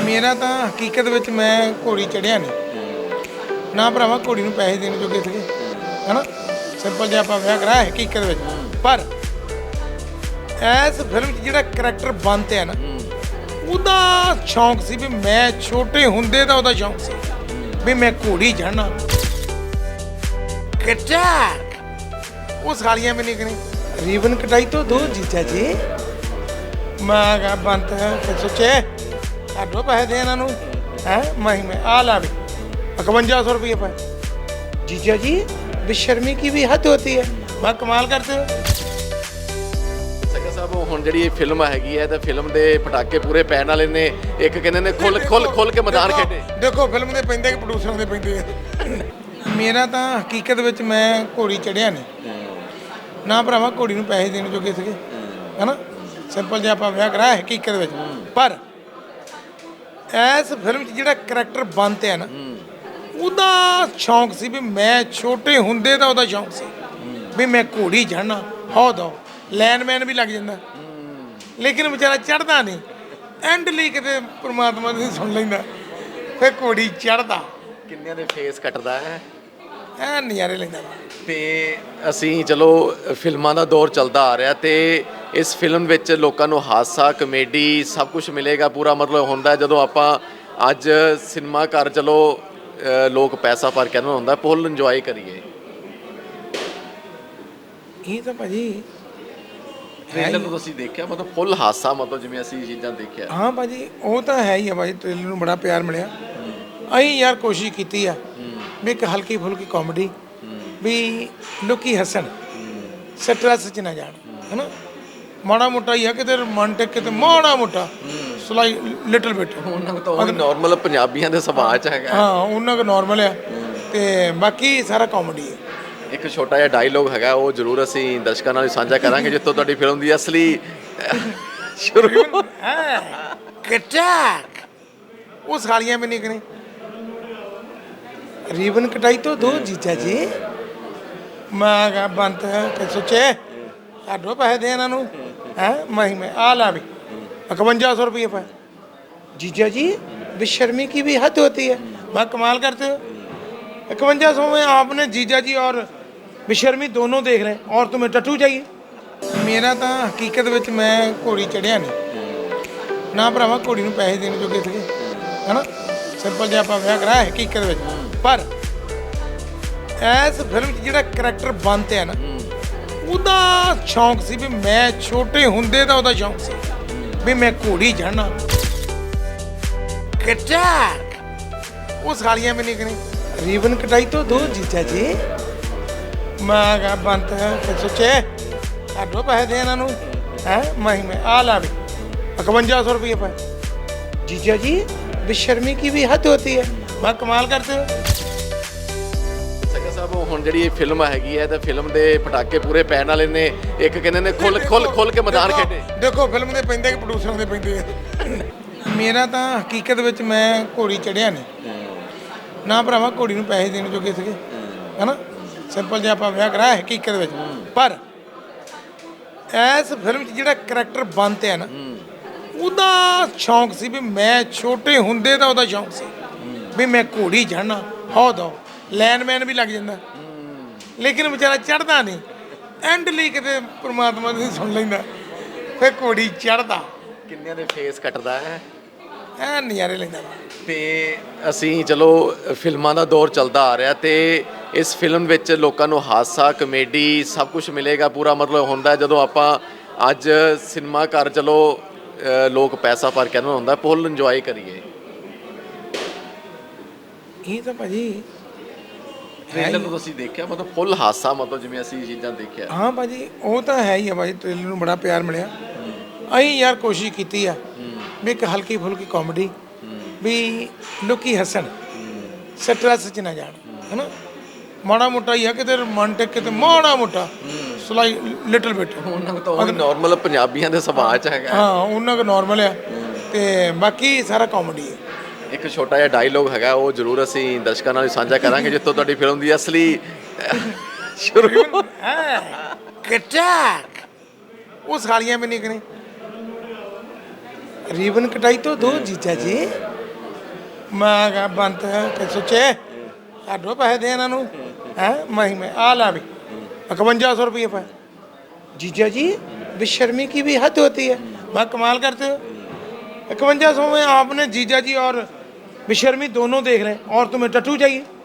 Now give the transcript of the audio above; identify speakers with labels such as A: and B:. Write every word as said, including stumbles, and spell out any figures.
A: ਮੇਰਾ ਤਾਂ ਹਕੀਕਤ ਵਿੱਚ ਮੈਂ ਘੋੜੀ ਚੜਿਆ ਨਹੀਂ ਨਾ ਭਰਾਵਾ, ਘੋੜੀ ਨੂੰ ਪੈਸੇ ਦੇਣ ਜੋਗੇ ਸੀਗੇ ਹੈਨਾ। ਸਿੰਪਲ ਜਿਹਾ ਆਪਾਂ ਵਿਆਹ ਕਰਾਇਆ ਹਕੀਕਤ ਵਿੱਚ, ਪਰ ਇਸ ਫਿਲਮ 'ਚ ਜਿਹੜਾ ਕਰੈਕਟਰ ਬਣਤੇ ਆ ਨਾ, ਉਹਦਾ ਸ਼ੌਂਕ ਸੀ ਵੀ ਮੈਂ ਛੋਟੇ ਹੁੰਦੇ ਦਾ ਉਹਦਾ ਸ਼ੌਂਕ ਸੀ ਵੀ ਮੈਂ ਘੋੜੀ ਚੜ੍ਹਨਾ। ਕਟਾਕ ਉਹ ਸਾਲੀਆਂ ਵੀ ਨਹੀਂ ਕਰੀ ਰੀਬਨ ਕਟਾਈ ਤੋਂ ਦੋ ਜੀਜਾ ਜੀ। ਮੈਂ ਕਿਹਾ ਬੰਤ ਫਿਰ ਸੋਚੇ ਸਾਡੋ ਪੈਸੇ ਦੇ ਇਹਨਾਂ ਨੂੰ ਹੈ ਮਹੀਨੇ ਆ ਲਾ ਵੀ इक्यावन सौ रुपये पाए। जीजा जी बेशर्मी की भी हद होती है, मैं कमाल करते हो।
B: ਸਗਾ ਸਾਹਿਬ ਹੁਣ ਜਿਹੜੀ ਇਹ ਫਿਲਮ ਹੈਗੀ ਹੈ ਤਾਂ ਫਿਲਮ ਦੇ ਪਟਾਕੇ ਪੂਰੇ ਪੈਣ ਵਾਲੇ ਨੇ। ਇੱਕ ਕਹਿੰਦੇ ਨੇ ਖੁੱਲ ਖੁੱਲ ਖੁੱਲ ਕੇ ਮੈਦਾਨ ਖੇਡੇ।
A: ਦੇਖੋ ਫਿਲਮ ਦੇ ਪੈਂਦੇ ਕਿ ਪ੍ਰੋਡਿਊਸਰ ਦੇ ਪੈਂਦੇ ਆ। ਮੇਰਾ ਤਾਂ ਹਕੀਕਤ ਵਿੱਚ ਮੈਂ ਘੋੜੀ ਚੜਿਆ ਨਹੀਂ ਨਾ ਭਰਾਵਾ, ਘੋੜੀ ਨੂੰ ਪੈਸੇ ਦੇਣ ਜੋਗੇ ਸੀਗੇ ਹੈਨਾ। ਸਿੰਪਲ ਜਿਹਾ ਆਪਾਂ ਵਿਆਹ ਕਰਾਇਆ ਹਕੀਕਤ ਵਿੱਚ, ਪਰ ਇਸ ਫਿਲਮ 'ਚ ਜਿਹੜਾ ਕਰੈਕਟਰ ਬਣਤੇ ਆ ਨਾ, ਉਹਦਾ ਸ਼ੌਂਕ ਸੀ ਵੀ ਮੈਂ ਛੋਟੇ ਹੁੰਦੇ ਦਾ ਉਹਦਾ ਸ਼ੌਂਕ ਸੀ ਵੀ ਮੈਂ ਘੋੜੀ ਚੜ੍ਹਨਾ। ਹੋ ਦੋ ਲੈਨਮੈਨ ਵੀ ਲੱਗ ਜਾਂਦਾ, ਲੇਕਿਨ ਵਿਚਾਰਾ ਚੜ੍ਹਦਾ ਨਹੀਂ। ਐਂਡ ਲਈ ਕਿਤੇ ਪ੍ਰਮਾਤਮਾ ਦੀ ਸੁਣ ਲੈਂਦਾ, ਫਿਰ ਘੋੜੀ ਚੜ੍ਹਦਾ।
B: ਕਿੰਨਿਆਂ ਦੇ ਫੇਸ ਕੱਟਦਾ ਹੈ,
A: ਐ ਨਜ਼ਾਰੇ ਲੈਂਦਾ।
B: ਤੇ ਅਸੀਂ ਚਲੋ ਫਿਲਮਾਂ ਦਾ ਦੌਰ ਚੱਲਦਾ ਆ ਰਿਹਾ ਤੇ ਇਸ ਫਿਲਮ ਵਿੱਚ ਲੋਕਾਂ ਨੂੰ ਹਾਸਾ ਕਮੇਡੀ ਸਭ ਕੁਝ ਮਿਲੇਗਾ। ਪੂਰਾ ਮਤਲਬ ਹੁੰਦਾ ਜਦੋਂ ਆਪਾਂ ਅੱਜ ਸਿਨੇਮਾ ਘਰ ਚਲੋ ਲੋਕ ਪੈਸਾ ਭਰ ਕੇ ਆਉਣਾ ਹੁੰਦਾ, ਫੁੱਲ ਇੰਜੋਏ ਕਰੀਏ।
A: ਇਹ ਤਾਂ ਭਾਜੀ
B: ਟ੍ਰੇਲਰ ਨੂੰ ਤੁਸੀਂ ਦੇਖਿਆ, ਮਤਲਬ ਫੁੱਲ ਹਾਸਾ, ਮਤਲਬ ਜਿਵੇਂ ਅਸੀਂ ਚੀਜ਼ਾਂ ਦੇਖਿਆ।
A: ਹਾਂ ਭਾਜੀ ਉਹ ਤਾਂ ਹੈ ਹੀ ਆ ਭਾਜੀ, ਟ੍ਰੇਲਰ ਨੂੰ ਬੜਾ ਪਿਆਰ ਮਿਲਿਆ। ਅਸੀਂ ਯਾਰ ਕੋਸ਼ਿਸ਼ ਕੀਤੀ ਆ ਵੀ ਇੱਕ ਹਲਕੀ ਫੁਲਕੀ ਕਾਮੇਡੀ ਵੀ ਲੋਕੀ ਹੱਸਣ, ਸਟ੍ਰੈਸ 'ਚ ਨਾ ਜਾਣ ਹੈਨਾ। ਮਾੜਾ ਮੋਟਾ ਹੀ ਆ ਕਿਤੇ ਰੋਮਾਂਟਿਕ, ਕਿਤੇ ਮਾੜਾ ਮੋਟਾ ਸਲਾਈ ਲਿਟਲ ਬਿਟ
B: ਉਹਨਾਂ ਨੂੰ ਤਾਂ ਨਾਰਮਲ ਪੰਜਾਬੀਆਂ ਦੇ ਸੁਭਾਅ 'ਚ ਹੈਗਾ।
A: ਹਾਂ ਉਹਨਾਂ ਦਾ ਨਾਰਮਲ ਆ ਤੇ ਬਾਕੀ ਸਾਰਾ ਕਾਮੇਡੀ ਹੈ।
B: ਇੱਕ ਛੋਟਾ ਜਿਹਾ ਡਾਇਲੋਗ ਹੈਗਾ, ਉਹ ਜ਼ਰੂਰ ਅਸੀਂ ਦਰਸ਼ਕਾਂ ਨਾਲ ਸਾਂਝਾ ਕਰਾਂਗੇ ਜਿੱਥੋਂ ਤੁਹਾਡੀ ਫਿਲਮ ਦੀ ਅਸਲੀ ਸ਼ੁਰੂ
A: ਹੈ। ਕਟਾਕ ਉਹ ਸਾਲੀਆਂ ਵੀ ਨਹੀਂ ਕਰੀ ਰੀਬਨ ਕਟਾਈ ਤੋਂ ਦੋ ਜੀਜਾ ਜੀ। ਮੈਂ ਕਿਹਾ ਬੰਤ ਫਿਰ ਸੋਚੇ ਸਾਡੋ ਪੈਸੇ ਦੇ ਇਹਨਾਂ ਨੂੰ ਹੈ महीने आ ला भी इक्यावन सौ रुपये पाए। जीजा जी बेशर्मी की भी हद होती है, मैं कमाल करते हो। इक्यावन सौ में आपने जीजा जी और बेशर्मी दोनों देख रहे हैं और तुम्हें टट्टू चाहिए। मेरा ਤਾਂ ਹਕੀਕਤ ਵਿੱਚ ਮੈਂ ਘੋੜੀ ਚੜਿਆ ਨਹੀਂ ਨਾ ਭਰਾਵਾ, ਘੋੜੀ ਨੂੰ ਪੈਸੇ ਦੇਣ ਜੋਗੇ ਸੀਗੇ ਹੈਨਾ। ਸਿੰਪਲ ਜਿਹਾ ਆਪਾਂ ਵਿਆਹ ਕਰਾਇਆ ਹਕੀਕਤ ਵਿੱਚ, ਪਰ ਇਸ ਫਿਲਮ 'ਚ ਜਿਹੜਾ ਕਰੈਕਟਰ ਬਣਤੇ ਆ ਨਾ, ਉਹਦਾ ਸ਼ੌਂਕ ਸੀ ਵੀ ਮੈਂ ਛੋਟੇ ਹੁੰਦੇ ਦਾ ਉਹਦਾ ਸ਼ੌਂਕ ਸੀ ਵੀ ਮੈਂ ਘੋੜੀ ਚੜ੍ਹਨਾ। ਕਟਾਕ ਉਹ ਸਾਲੀਆਂ ਵੀ ਨਹੀਂ ਕਰੀ ਰੀਬਨ ਕਟਾਈ ਤੋਂ ਦੋ ਜੀਜਾ ਜੀ। ਮੈਂ ਕਿਹਾ ਬੰਤ ਫਿਰ ਸੋਚੇ ਸਾਡੋ ਪੈਸੇ ਦੇ ਇਹਨਾਂ ਨੂੰ ਹੈ महीने आ ला भी इक्यावन सौ रुपये पाए। जीजा जी बेशर्मी की भी हद होती है, मैं कमाल करते हो।
B: ਸਗਾ ਸਾਹਿਬ ਹੁਣ ਜਿਹੜੀ ਇਹ ਫਿਲਮ ਹੈਗੀ ਹੈ ਤਾਂ ਫਿਲਮ ਦੇ ਪਟਾਕੇ ਪੂਰੇ ਪੈਣ ਵਾਲੇ ਨੇ। ਇੱਕ ਕਹਿੰਦੇ ਨੇ ਖੁੱਲ ਖੁੱਲ ਖੁੱਲ ਕੇ ਮੈਦਾਨ ਖੇਡੇ।
A: ਦੇਖੋ ਫਿਲਮ ਦੇ ਪੈਂਦੇ ਕਿ ਪ੍ਰੋਡਿਊਸਰ ਦੇ ਪੈਂਦੇ ਆ। ਮੇਰਾ ਤਾਂ ਹਕੀਕਤ ਵਿੱਚ ਮੈਂ ਘੋੜੀ ਚੜਿਆ ਨਹੀਂ ਨਾ ਭਰਾਵਾ, ਘੋੜੀ ਨੂੰ ਪੈਸੇ ਦੇਣ ਜੋਗੇ ਸੀਗੇ ਹੈਨਾ। ਸਿੰਪਲ ਜਿਹਾ ਆਪਾਂ ਵਿਆਹ ਕਰਾਇਆ ਹਕੀਕਤ ਵਿੱਚ, ਪਰ ਇਸ ਫਿਲਮ 'ਚ ਜਿਹੜਾ ਕਰੈਕਟਰ ਬਣਤੇ ਆ ਨਾ, ਉਹਦਾ ਸ਼ੌਂਕ ਸੀ ਵੀ ਮੈਂ ਛੋਟੇ ਹੁੰਦੇ ਦਾ ਉਹਦਾ ਸ਼ੌਂਕ ਸੀ ਵੀ ਮੈਂ ਘੋੜੀ ਚੜ੍ਹਨਾ। ਹੋ ਦੋ ਲੈਨਮੈਨ ਵੀ ਲੱਗ ਜਾਂਦਾ, ਲੇਕਿਨ ਵਿਚਾਰਾ ਚੜ੍ਹਦਾ ਨਹੀਂ। ਐਂਡ ਲਈ ਕਿਤੇ ਪ੍ਰਮਾਤਮਾ ਦੀ ਸੁਣ ਲੈਂਦਾ, ਫਿਰ ਘੋੜੀ ਚੜ੍ਹਦਾ।
B: ਕਿੰਨਿਆਂ ਦੇ ਫੇਸ ਕੱਟਦਾ ਹੈ,
A: ਐ ਨਜ਼ਾਰੇ ਲੈਂਦਾ।
B: ਤੇ ਅਸੀਂ ਚਲੋ ਫਿਲਮਾਂ ਦਾ ਦੌਰ ਚੱਲਦਾ ਆ ਰਿਹਾ ਤੇ ਇਸ ਫਿਲਮ ਵਿੱਚ ਲੋਕਾਂ ਨੂੰ ਹਾਸਾ ਕਮੇਡੀ ਸਭ ਕੁਝ ਮਿਲੇਗਾ। ਪੂਰਾ ਮਤਲਬ ਹੁੰਦਾ ਜਦੋਂ ਆਪਾਂ ਅੱਜ ਸਿਨੇਮਾ ਘਰ ਚਲੋ ਲੋਕ ਪੈਸਾ ਭਰ ਕੇ ਆਉਣਾ ਹੁੰਦਾ, ਫੁੱਲ ਇੰਜੋਏ ਕਰੀਏ।
A: ਇਹ ਤਾਂ ਭਾਜੀ
B: ਟ੍ਰੇਲਰ ਨੂੰ ਤੁਸੀਂ ਦੇਖਿਆ, ਮਤਲਬ ਫੁੱਲ ਹਾਸਾ, ਮਤਲਬ ਜਿਵੇਂ ਅਸੀਂ ਚੀਜ਼ਾਂ ਦੇਖਿਆ।
A: ਹਾਂ ਭਾਜੀ ਉਹ ਤਾਂ ਹੈ ਹੀ ਆ ਭਾਜੀ, ਟ੍ਰੇਲਰ ਨੂੰ ਬੜਾ ਪਿਆਰ ਮਿਲਿਆ। ਅਸੀਂ ਯਾਰ ਕੋਸ਼ਿਸ਼ ਕੀਤੀ ਆ ਵੀ ਇੱਕ ਹਲਕੀ ਫੁਲਕੀ ਕਾਮੇਡੀ ਵੀ ਲੋਕੀ ਹੱਸਣ, ਸਟ੍ਰੈਸ 'ਚ ਨਾ ਜਾਣ ਹੈਨਾ। ਮਾੜਾ ਮੋਟਾ ਹੀ ਆ ਕਿਤੇ ਰੋਮਾਂਟਿਕ, ਕਿਤੇ ਮਾੜਾ ਮੋਟਾ ਸਲਾਈ ਲਿਟਲ ਬਿਟ
B: ਉਹਨਾਂ ਨੂੰ ਤਾਂ ਨਾਰਮਲ ਪੰਜਾਬੀਆਂ ਦੇ ਸੁਭਾਅ 'ਚ ਹੈਗਾ।
A: ਹਾਂ ਉਹਨਾਂ ਦਾ ਨਾਰਮਲ ਆ ਤੇ ਬਾਕੀ ਸਾਰਾ ਕਾਮੇਡੀ ਹੈ।
B: ਇੱਕ ਛੋਟਾ ਜਿਹਾ ਡਾਇਲੋਗ ਹੈਗਾ, ਉਹ ਜ਼ਰੂਰ ਅਸੀਂ ਦਰਸ਼ਕਾਂ ਨਾਲ ਸਾਂਝਾ ਕਰਾਂਗੇ ਜਿੱਥੋਂ ਤੁਹਾਡੀ ਫਿਲਮ ਦੀ ਅਸਲੀ ਸ਼ੁਰੂ
A: ਹੈ। ਕਟਾਕ ਉਹ ਸਾਲੀਆਂ ਵੀ ਨਹੀਂ ਕਰੀ ਰੀਬਨ ਕਟਾਈ ਤੋਂ ਦੋ ਜੀਜਾ ਜੀ। ਮੈਂ ਕਿਹਾ ਬੰਤ ਕਿ ਸੁੱਚੇ ਛੱਡੋ ਪੈਸੇ ਦੇ ਇਹਨਾਂ ਨੂੰ ਹੈ ਮਹੀ ਮੈਂ आ ला भी इक्यावन सौ रुपये पाए जीजा जी बेशर्मी की भी हद होती है मैं कमाल करते हो इक्यावन सौ में आपने जीजा जी और बेशर्मी दोनों देख रहे हैं और तुम्हें टट्टू चाहिए